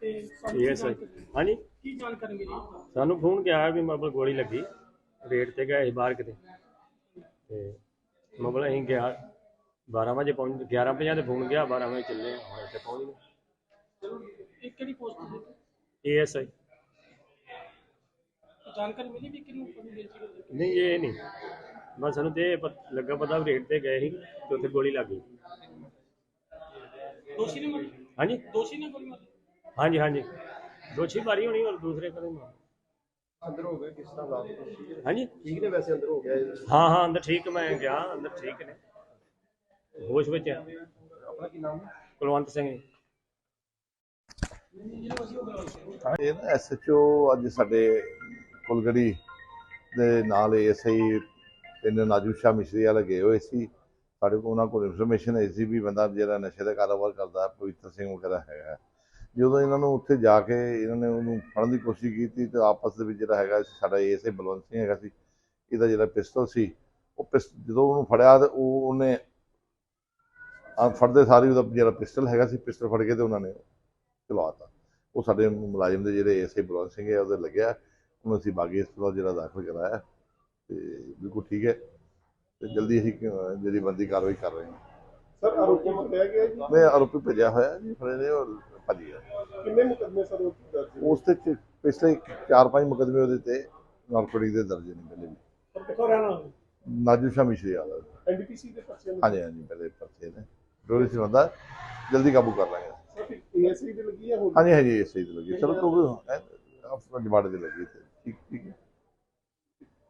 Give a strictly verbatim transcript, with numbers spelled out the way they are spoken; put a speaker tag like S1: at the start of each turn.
S1: ਇਹ ਸਰ ਹਾਂਜੀ
S2: ਕੀ ਜਾਣਕਾਰੀ ਮਿਲੀ?
S1: ਸਾਨੂੰ ਫੋਨ ਗਿਆ ਵੀ ਮਤਲਬ ਗੋਲੀ ਲੱਗੀ ਰੇਟ ਤੇ ਗਏ ਸੀ ਬਾਹਰ ਕਿਤੇ ਤੇ ਮਤਲਬ ਅਸੀਂ ਗਿਆ ਬਾਰਾਂ ਵਜੇ ਪਹੁੰਚ ਗਿਆਰਾਂ ਪੰਜਾਹ ਤੇ ਫੋਨ ਗਿਆ ਬਾਰਾਂ ਵਜੇ ਚੱਲੇ ਹੁਣ ਇੱਥੇ ਪਹੁੰਚ ਗਏ।
S2: ਇਹ ਕਿਹੜੀ ਪੋਸਟ ਤੇ?
S1: ਏ ਐਸ ਆਈ
S2: ਜਾਣਕਾਰੀ ਮਿਲੀ ਵੀ ਕਿਹਨੂੰ ਪਤਾ ਮਿਲ ਸੀ?
S1: ਨਹੀਂ ਇਹ ਨਹੀਂ ਬਸ ਸਾਨੂੰ ਤੇ ਪਤ- ਲੱਗਾ ਪਤਾ ਵੀ ਰੇਟ ਤੇ ਗਏ ਸੀ ਤੇ ਉੱਥੇ ਗੋਲੀ ਲੱਗ ਗਈ।
S2: ਦੋਸ਼ੀ ਨੇ ਮਾਰੀ?
S1: ਹਾਂਜੀ
S2: ਦੋਸ਼ੀ ਨੇ ਗੋਲੀ ਮਾਰੀ?
S1: ਹਾਂਜੀ ਹਾਂਜੀ ਦੋਸ਼ੀ ਮਾਰੀ ਹੋਣੀ ਔਰ ਦੂਸਰੇ ਕਦੇ ਮਾਰ
S3: ਅੰਦਰ ਹੋ ਗਏ ਕਿਸ ਤਰ੍ਹਾਂ ਬਾਤ
S1: ਹਾਂਜੀ
S3: ਠੀਕ ਨੇ ਵੈਸੇ ਅੰਦਰ ਹੋ ਗਿਆ ਇਹ?
S1: ਹਾਂ ਹਾਂ ਅੰਦਰ ਠੀਕ ਮੈਂ ਗਿਆ ਅੰਦਰ ਠੀਕ ਨੇ ਹੋਸ਼ ਵਿੱਚ ਆ।
S3: ਆਪਣਾ ਕੀ ਨਾਮ ਹੈ?
S1: ਕੁਲਵੰਤ ਸਿੰਘ ਜੀ।
S4: ਇਹ ਨਾ ਐਸ ਐਚ ਓ ਅੱਜ ਸਾਡੇ ਕੁਲਗੜੀ ਦੇ ਨਾਲ ਐਸ ਆਈ ਪਿੰਡ ਨਾਜੂ ਸ਼ਾਹ ਮਿਸ਼ਰੀ ਵਾਲੇ ਗਏ ਹੋਏ ਸੀ। ਸਾਡੇ ਕੋਲ ਉਹਨਾਂ ਕੋਲ ਇਨਫੋਰਮੇਸ਼ਨ ਆਈ ਸੀ ਵੀ ਬੰਦਾ ਜਿਹੜਾ ਨਸ਼ੇ ਦਾ ਕਾਰੋਬਾਰ ਕਰਦਾ ਪਵਿੱਤਰ ਸਿੰਘ ਵਗੈਰਾ ਹੈਗਾ। ਜਦੋਂ ਇਹਨਾਂ ਨੂੰ ਉੱਥੇ ਜਾ ਕੇ ਇਹਨਾਂ ਨੇ ਉਹਨੂੰ ਫੜਨ ਦੀ ਕੋਸ਼ਿਸ਼ ਕੀਤੀ ਤਾਂ ਆਪਸ ਦੇ ਵਿੱਚ ਜਿਹੜਾ ਹੈਗਾ ਸਾਡਾ ਐਸ ਆਈ ਬਲਵੰਤ ਸਿੰਘ ਹੈਗਾ ਸੀ, ਇਹਦਾ ਜਿਹੜਾ ਪਿਸਤਲ ਸੀ ਉਹ ਪਿਸ ਜਦੋਂ ਉਹਨੂੰ ਫੜਿਆ ਤਾਂ ਉਹ ਉਹਨੇ ਆ ਫੜਦੇ ਸਾਰੀ ਉਹਦਾ ਜਿਹੜਾ ਪਿਸਟਲ ਹੈਗਾ ਸੀ ਪਿਸਟਲ ਫੜ ਕੇ ਤੇ ਉਹਨਾਂ ਨੇ ਚਲਵਾਤਾ। ਉਹ ਸਾਡੇ ਮੁਲਾਜ਼ਮ ਦੇ ਜਿਹੜੇ ਐਸ ਆਈ ਬਲਵੰਤ ਸਿੰਘ ਹੈ ਉਹਦੇ ਲੱਗਿਆ, ਉਹਨੂੰ ਅਸੀਂ ਬਾਗੀ ਹਸਪਤਾਲ ਜਿਹੜਾ ਦਾਖਲ ਕਰਾਇਆ ਤੇ ਬਿਲਕੁਲ ਠੀਕ ਹੈ ਤੇ ਜਲਦੀ ਅਸੀਂ ਜਿਹੜੀ ਬੰਦੀ ਕਾਰਵਾਈ ਕਰ ਰਹੇ ਹਾਂ।
S3: ਸਰ ਆਰੋਪੀ ਨੂੰ ਪਿਆ ਗਿਆ ਜੀ?
S4: ਮੈਂ ਆਰੋਪੀ ਭੇਜਿਆ ਹੋਇਆ ਜੀ, ਫੜੇ ਨੇ ਔਰ ਭੱਜ ਗਿਆ।
S3: ਕਿੰਨੇ ਮੁਕੱਦਮੇ ਸਰ ਉਹ ਦਰਜ ਨੇ?
S4: ਉਸ ਤੇ ਚ- ਪਿਛਲੇ ਚਾਰ ਪੰਜ ਮੁਕੱਦਮੇ ਉਹਦੇ ਤੇ ਨਾਰਕੋਟਿਕ ਦੇ ਦਰਜ ਨੇ ਪਹਿਲੇ ਵੀ।
S3: ਸਰ ਕਿੱਥੋਂ ਰਹਿਣਾ?
S4: ਨਾਜੂ ਸ਼ਾਹ ਮਿਸ਼ਰੀ ਵਾਲਾ
S3: ਐਨ ਡੀ ਪੀ ਸੀ ਦੇ ਪਰਚੇ ਨੇ?
S4: ਹਾਂਜੀ ਹਾਂਜੀ ਪਹਿਲੇ ਪਰਚੇ ਨੇ ਡੋਰੀ ਸੀ ਬੰਦਾ, ਜਲਦੀ ਕਾਬੂ ਕਰ ਲਾਂਗੇ।
S3: ਸਰ ਏ ਐਸ ਆਈ ਦੀ ਲੱਗੀ ਹੈ ਹੋਰ?
S4: ਹਾਂਜੀ ਹਾਂਜੀ ਇਸੇ ਦੀ ਲੱਗੀ ਚਲੋ ਤੋਂ ਜਮਾੜੇ ਦੀ ਲੱਗੀ ਤੇ ਠੀਕ ਠੀਕ ਹੈ।